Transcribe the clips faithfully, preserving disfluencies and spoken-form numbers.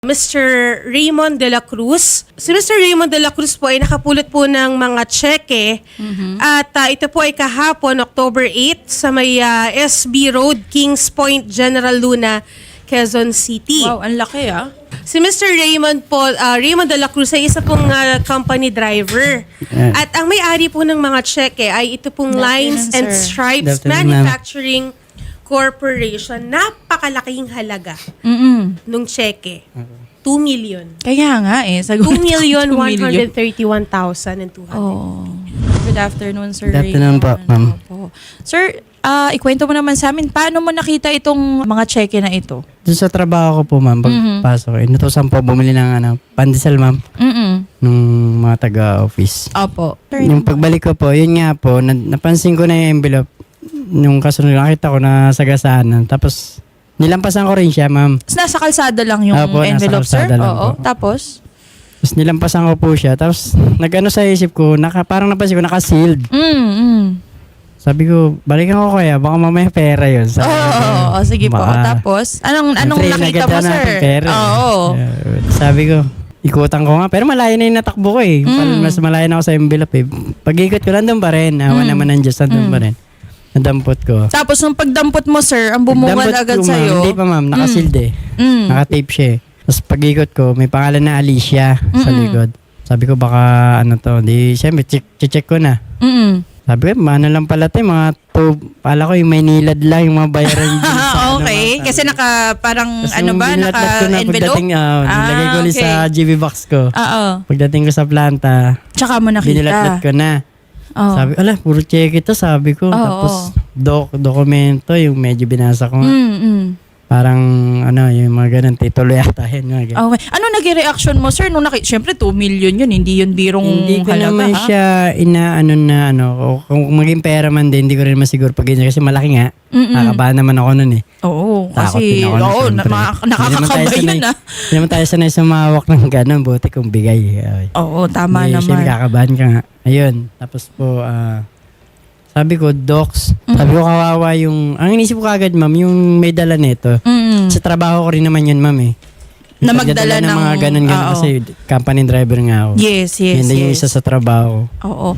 Mister Raymond de la Cruz. Si Mister Raymond de la Cruz po ay nakapulot po ng mga tseke Mm-hmm. at uh, ito po ay kahapon, October eighth, sa may uh, S B Road, Kings Point, General Luna, Quezon City. Wow, ang laki ah. Si Mister Raymond po, uh, Raymond de la Cruz ay isa pong uh, company driver. Yeah. At ang may-ari po ng mga tseke ay ito pong Good Lines afternoon, and sir. Stripes Good afternoon, ma'am. Manufacturing Corporation. Napakalaking halaga Mm-mm. nung tseke. two million. Kaya nga eh. Sagot two million two one million. hundred thirty-one thousand two hundred. Oh. Good afternoon, Sir Good afternoon po, Raymond. ma'am. Opo. Sir, ah, ikwento mo naman sa amin, paano mo nakita itong mga cheque na ito? Doon sa trabaho ko po, ma'am, pagpasok, mm-hmm. inutosan po bumili ng ano, pandesal, ma'am, Mm-mm. nung mga taga-office. Opo. Yung pagbalik ko po, yun nga po, na, napansin ko na yung envelope. Nung kasunod, nakita ko na sagasaan. Tapos, nilampasan ko rin siya, ma'am. Nasa kalsada lang yung Opo, nasa envelope, sir? kalsada lang Oo. po. Tapos? Tapos nilampasan ko po siya. Tapos, nag-ano sa isip ko, naka, parang napansin ko, naka-sealed. Mm, mm. Sabi ko, balikan ko kaya, baka mamaya pera yun. Oo, Sabi ko, oo, oo, sige po. baka- Tapos, anong anong Siyempre, nakita naganda mo, na sir? akong pera. Oo. Uh, sabi ko, ikutan ko nga. Pero malayo na yung natakbo ko eh. Mm. Mas malayo na ako sa envelope eh. Pag-ikot ko, nandun pa rin. Awa Mm. naman ng Diyos, nandun Mm. pa rin. Nadampot ko. Tapos, nung pagdampot mo, sir, ang bumuwal Dampot agad ko, ma'am. sa'yo. Hindi pa, ma'am. Nakasealed eh. Mm. Nakatape siya eh. Tapos pag-ikot ko, may pangalan na Alicia sa Mm-mm. likod. Sabi ko, baka ano to. Di, siyempre, check, check ko na. Mm-mm. Sabi ko, ano lang pala to, yung mga to, pala ko yung may nilad lang, yung mga bayaran dyan sa ano, okay. ma'am. Kasi naka, parang, Tapos ano nung ba, binilatlat ko na naka-envelope? pagdating, ah, nilagay ko ulit okay. sa G B box ko. Oo. Pagdating ko sa planta, Tsaka mo nakita. binilatlat ko na. Oo. Sabi, ala, puro check ito, sabi ko. Oo, Tapos, doc, dokumento, yung medyo binasa ko. nga. Mm, mm. Parang, ano, yung mga ganun, titulo yata yun. Mga ganun. Okay. Ano naging reaction mo, sir? Nung naki- Siyempre, two million yun. Hindi yun birong Hindi ko halaga, naman ha? siya inaano na, ano, o kung maging pera man din, hindi ko rin masiguro pag ganyan. Kasi malaki nga. Mm-mm. Nakabahan naman ako nun eh. Oo. Takot Kasi, din ako nun, oo, na, syempre. ma- Hindi naman tayo nakakakabay sanay- yun, ah. Hindi naman tayo sanay sumawak ng gano'n, buti kung bigay. Ay. Oo, tama Hindi, naman. Siyempre, kakabahan ka nga. Ayun. Tapos po, ah, sabi ko, docs. Sabi ko, kawawa yung, ang inisip ko agad, ma'am, yung may dala nito. Mm. Sa trabaho ko rin naman yun, ma'am eh. Na Yung magdala pagdadala ng- mga ganun-ganun oo. kasi company driver nga ako. Yes, yes, Yun din yung yes. isa sa trabaho. Oo.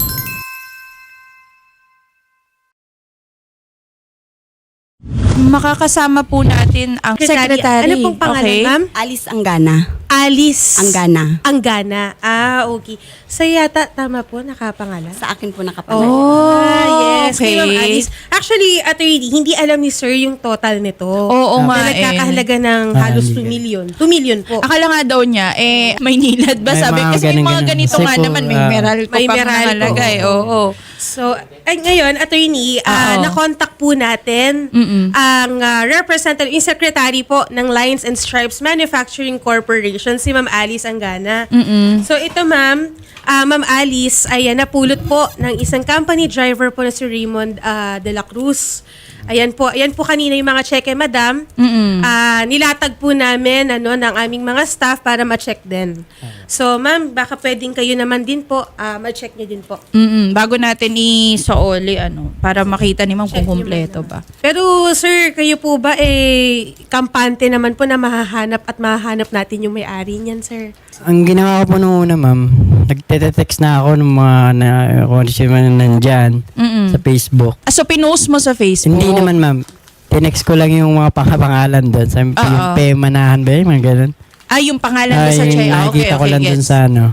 Makakasama po natin ang Secretary, secretary. ano pong pangalan, Okay? ma'am? Alice Anggana. Alice. Anggana. Anggana. Ah, okay. Sa yata, tama po, nakapangalan? Sa akin po nakapangalan. Oh, Ah, yes. okay. Kay Ma'am Alice. Actually, attorney, hindi alam ni sir yung total nito. Oo nga Na eh. nagkakahalaga ng Ah, halos hindi two ka- million. two million po. Akala nga daw niya, eh, may nilad ba? May Sabi, mga kasi may mga ganun-ganun. ganito Kasi nga po, naman, may ah, meral ko may pang meral ko. nakalagay. Oo. So, ay, ngayon, attorney, ah, Oo. na-contact po natin Mm-mm. ang ah, representative, yung secretary po ng Lines and Stripes Manufacturing Corporation, si Ma'am Alice Anggana. Mm-mm. So, ito ma'am, ah, Ma'am Alice, ay ah, napulot po ng isang company driver po na si Raymond ah, de la Cruz. Ayan po, ayan po kanina yung mga cheque, madam. Mm-mm. Ah, nilatag po namin ano ng aming mga staff para ma-check din. So, ma'am, baka pwedeng kayo naman din po ah, ma-check niyo din po. Mm-mm. Bago natin i-sooli, ano, para makita ni ma'am kung Check niyo, kumpleto ma'am. ba. Pero sir, kayo po ba eh kampante naman po na mahahanap at mahahanap natin yung may-ari niyan, sir? Ang ginawa ko po noong una, ma'am, nagte-text na ako ng mga na, kung ano siya man nandyan Mm-mm. sa Facebook. Ah, so, pinost mo sa Facebook? Hindi naman, ma'am. Tinext ko lang yung mga pangapangalan doon. Sabi ko, yung Oo. Pemanahan ba yun? Mga ganun. Ah, yung pangalan mo Ay, sa check. Ah, okay, nakikita ko okay, lang doon gets. sa ano.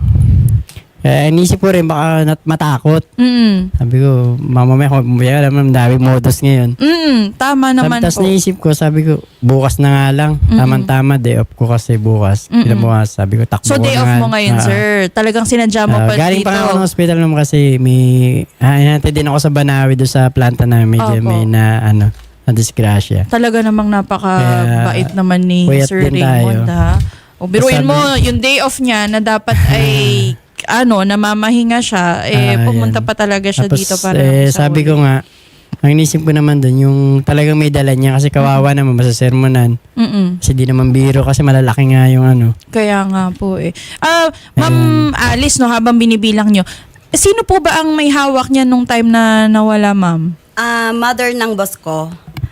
Eh, inisip ko rin, baka nat matakot. Mm. Sabi ko, mamamaya, kung alam mo, dami modus ngayon. Mm, tama naman Tapos po. naisip ko, sabi ko, bukas na nga lang. Tamang-tama, day off ko kasi bukas. Mm-mm. Ilang bukas, sabi ko, takbo So, ko day na off nga. mo ngayon, Ah, sir. Talagang sinadya mo ah, pa galing dito. pa nga ako ng hospital naman kasi may, ah, hinantay din ako sa Banawi doon sa planta namin. Medyo Opo. may na, ano, na disgrasya. Talaga namang napaka-bait Kaya, naman ni puyat Sir din Raymond, tayo. ha? O, biruin Sabi- mo, yung day off niya na dapat ay, ano, namamahinga siya, eh, Ah, pumunta yan. pa talaga siya Tapos, dito para eh, sa sabi uli. ko nga, ang inisip ko naman doon, yung talagang may dala niya kasi kawawa naman, masasermonan. Mm-mm. Kasi di naman biro kasi malalaki nga yung ano. Kaya nga po eh. Ah, Ma'am Alice, no, habang binibilang nyo, sino po ba ang may hawak niya nung time na nawala, ma'am? Ah, mother ng boss ko.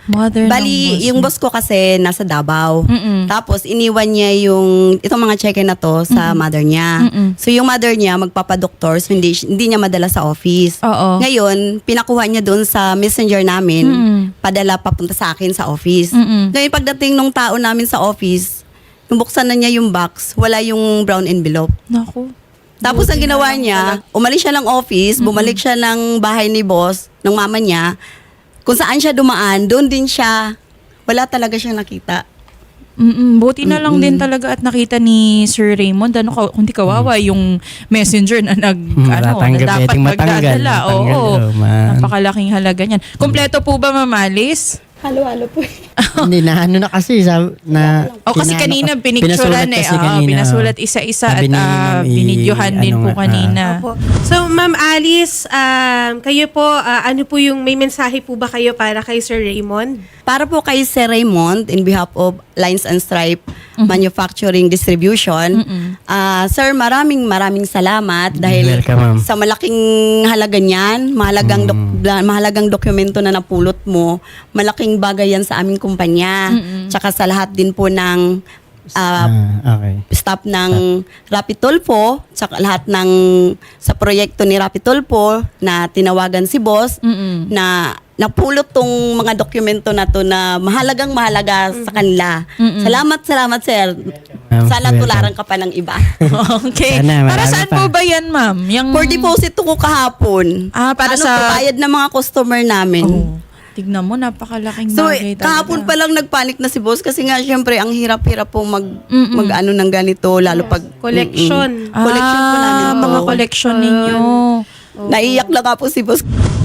Mother ng Bali, boss yung mo. boss ko kasi nasa Davao. Mm-mm. Tapos, iniwan niya yung, itong mga cheque na to sa mother niya. Mm-mm. So, yung mother niya, magpapadoktor, so hindi, hindi niya madala sa office. Oo. Ngayon, pinakuha niya doon sa messenger namin, Mm-mm. padala papunta sa akin sa office. Mm-mm. Ngayon, pagdating nung tao namin sa office, nung buksan na niya yung box, wala yung brown envelope. Naku. Tapos Buti ang na ginawa lang niya, talaga. umalis siya ng office, bumalik siya ng bahay ni boss, ng mama niya. Kung saan siya dumaan, doon din siya. Wala talaga siyang nakita. Mm-mm. Buti na lang din talaga at nakita ni Sir Raymond, ano, ka- kundi kawawa yung messenger na nag, ano, na Matanggap, dapat pwedeng matanggal, magdadala. matanggal, Oo. oh, man. Napakalaking halaga niyan. Kompleto po ba, Ma'am Alice? Halo-halo po. Hindi na ano na kasi sab na O kasi pinano kanina ka- pinicturean pinasulat eh. kasi Oo, kanina. pinasulat isa-isa at Sabi ni uh, Ma'am, i- binidyohan din ano po nga, ah. kanina. Opo. So, Ma'am Alice, um, kayo po, ah, ano po yung, may mensahe po ba kayo para kay Sir Raymond? Para po kay Sir Raymond, in behalf of Lines and Stripe Mm-hmm. Manufacturing Distribution, ah, Sir, maraming maraming salamat dahil Welcome, ma'am. sa malaking halaga niyan, mahalagang, dok- Mm. da- mahalagang dokumento na napulot mo, malaking bagay yan sa aming kumpanya. Tsaka sa lahat din po ng ah, Ah, okay. staff ng Rapid Tulfo, tsaka lahat ng sa proyekto ni Rapid Tulfo na tinawagan si boss Mm-mm. na napulot tong mga dokumento na to na mahalagang mahalaga sa kanila. Mm-mm. Salamat, salamat sir. Ma'am, Sana welcome. tularan ka pa ng iba. Okay. Sana, Para marami saan pa. po ba yan, Ma'am? Yung... For deposit ko kahapon. Ah, para ano, sa- bayad ng mga customer namin. Oh, tignan mo, napakalaking So, bagay talaga. kahapon pa lang nagpanik na si boss kasi nga syempre ang hirap-hirap po mag, Mm-mm. mag ano ng ganito lalo pag Collection. Mm-mm. Collection po namin. Ah, to. mga collection ninyo. Naiyak lang nga po si boss.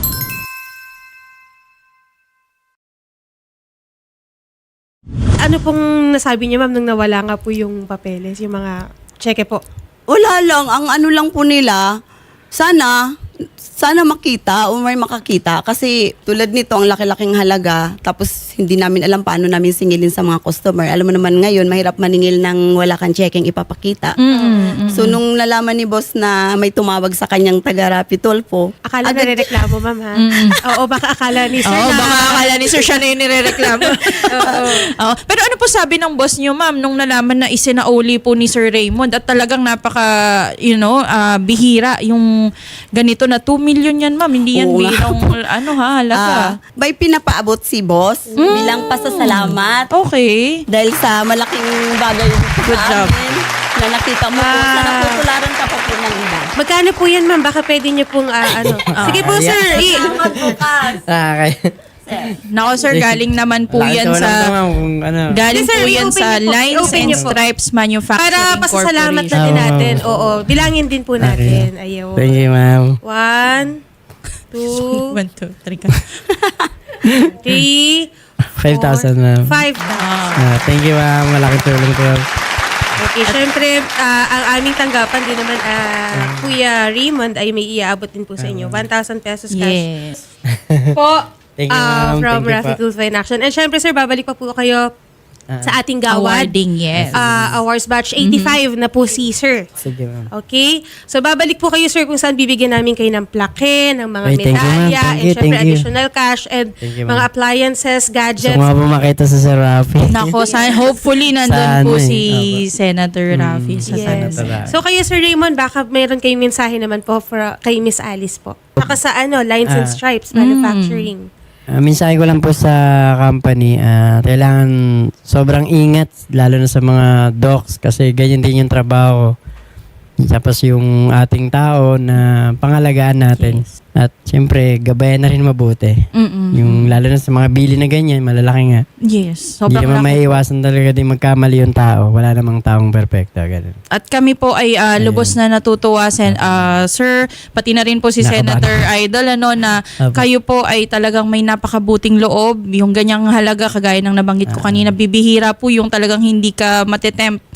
Ano pong nasabi niya, Ma'am, nung nawala nga po yung papeles, yung mga cheque po? Wala lang, ang ano lang po nila, sana, sana makita o may makakita. Kasi tulad nito, ang laki-laking halaga, tapos hindi namin alam paano namin singilin sa mga customer. Alam mo naman ngayon, mahirap maningil ng wala kang checking ipapakita. Mm-mm. So, nung nalaman ni boss na may tumawag sa kanyang taga-Rapid Tulfo, Akala agad- na reklamo, Ma'am, ha? Oo, baka akala ni Sir Oo, na... baka akala ni Sir siya na yung nirereklamo. Oo. Pero ano po sabi ng boss niyo, Ma'am, nung nalaman na isinauli po ni Sir Raymond at talagang napaka, you know, ah, bihira yung ganito na two million yan, Ma'am. Hindi yan Oo nga. bilang, ano ha, halaga. Ah, may pinapaabot si boss bilang pasasalamat Okay. dahil sa malaking bagay Good sa job. amin na nakita mo po. Ah. Sana tutularan ka pa po ng iba. Magkano po yan, Ma'am? Baka pwede niyo pong, ah, ano. Sige po, yeah. Sir. I- Ah, okay. Nako, sir, galing naman po Lakas yan ko lang sa... po, ma'am, kung ano. Galing Yes, sir, po yan i-open sa niyo po. Lines I-open and niyo po. Stripes Manufacturing Para pasasalamat na din Oo. natin. Oo, bilangin din po natin. Ayaw. Thank you, ma'am. One, two, One, two, three, ka. three, five thousand, ma'am. five. Ah, thank you, ma'am. Malaking tulong po. Okay, syempre, ah, ang aming tanggapan din naman, ah, Kuya Raymond, ay may iaabot din po sa inyo. one thousand pesos cash Yes. po. Thank you, ah, ma'am. from Thank you Rapid po. Tulfo in Action. And syempre, sir, babalik pa po kayo Ah. sa ating gawad. Awarding, yes. Ah, awards batch eighty-five na po si sir. Sige, ma'am. Okay? So, babalik po kayo, sir, kung saan bibigyan namin kayo ng plaque, ng mga Ay, thank you, ma'am. medalya, Thank and you, syempre, thank you. additional cash, and Thank you, mga ma'am. appliances, Gusto gadgets. ko nga po makita sa Sir Rafi. Nako, sana, hopefully nandun Sana po eh. si Opo. Senator Rafi sa Yes. Senator. Rafi. So, kayo, Sir Raymond, baka mayroon kayong mensahe naman po for, kay Miss Alice po. Saka sa ano, Lines and Ah. Stripes Manufacturing. Uh, mensahe ko lang po sa company, ah, kailangan sobrang ingat, lalo na sa mga docs, kasi ganyan din yung trabaho. Tapos yung ating tao na pangalagaan natin. Yes. At siyempre, gabayan na rin mabuti. Mm-mm. Yung lalo na sa mga bili na ganyan, malalaki nga. Yes. Hindi Sobrang naman laki. maiiwasan talaga din magkamali yung tao. Wala namang taong perfecto. Ganun. At kami po ay ah, lubos na natutuwa, sen ah, sir, pati na rin po si Nakabahan. Senator Idol, ano, na Apo. kayo po ay talagang may napakabuting loob. Yung ganyang halaga, kagaya ng nabanggit ko kanina, bibihira po yung talagang hindi ka matetempt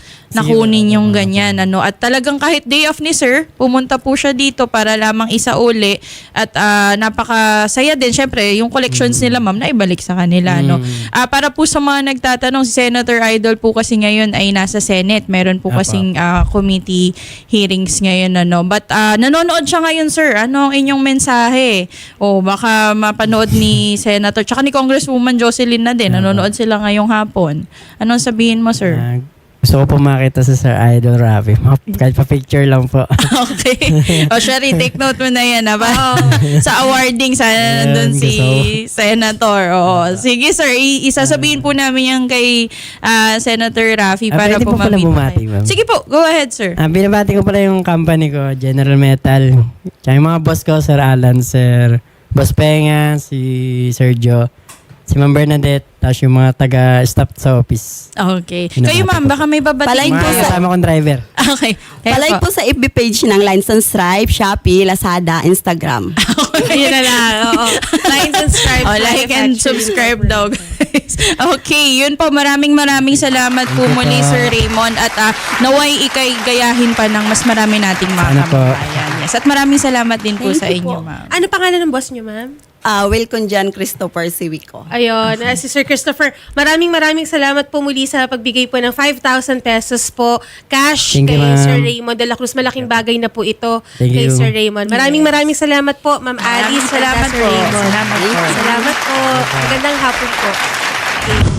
nakunin yung ganyan. Ano. At talagang kahit day off ni sir, pumunta po siya dito para lamang isauli at ah, napakasaya din. Siyempre, yung collections nila ma'am, na ibalik sa kanila. No? Ah, para po sa mga nagtatanong, si Senator Idol po kasi ngayon ay nasa Senate. Meron po Apo. kasing ah, committee hearings ngayon. Ano. But ah, nanonood siya ngayon sir. Ano ang inyong mensahe? O baka mapanood ni Senator tsaka ni Congresswoman Jocelyn na din. Nanonood sila ngayong hapon. Anong sabihin mo sir? Ah, gusto ko po makita sa Sir Idol Rafi. Ma- Kahit pa-picture lang po. Okay. O, Shari, take note mo na yan. Ha? Ba? Sa awarding, sana Ayan, nandun si gusto Senator. O, sige, sir. I- isasabihin po namin yan kay ah, Senator Rafi Ah, para pwede po po pala mamit bumati, kayo. ma'am. Sige po, go ahead, sir. Ah, binabati ko pala yung company ko, General Metal. Tsaka yung mga boss ko, Sir Alan, Sir Boss Penga, si Sir Joe, si Ma'am Bernadette, tapos yung mga taga-staff sa office. Okay. Binabati Kayo, ma'am, ko. baka may babatiin Palay Mga po sa- kasama kong driver. Okay. Kayo Palay po sa F B page ng Lines and Stripe, Shopee, Lazada, Instagram. Ayun na lang. Oo. Like and subscribe. Oh, like and subscribe daw, guys. Okay, yun po. Maraming maraming salamat po Thank you muli, po. Sir Raymond. At ah, naway ikay gayahin pa ng mas marami nating mga Sana po. kababayan. Yes. At maraming salamat din po Thank sa you inyo, po. ma'am. Ano pangalan ng boss niyo, ma'am? Ah, welcome dyan, Christopher Siwico. Ayun, ah, si Sir Christopher, maraming maraming salamat po muli sa pagbigay po ng five thousand pesos po cash Thank you, kay ma'am. Sir Raymond de la Cruz. Malaking bagay na po ito Thank kay you. Sir Raymond. Maraming maraming salamat po, Ma'am Alice. Salamat Sir po. Raymond. Salamat po. Salamat po. Magandang hapon po. Okay.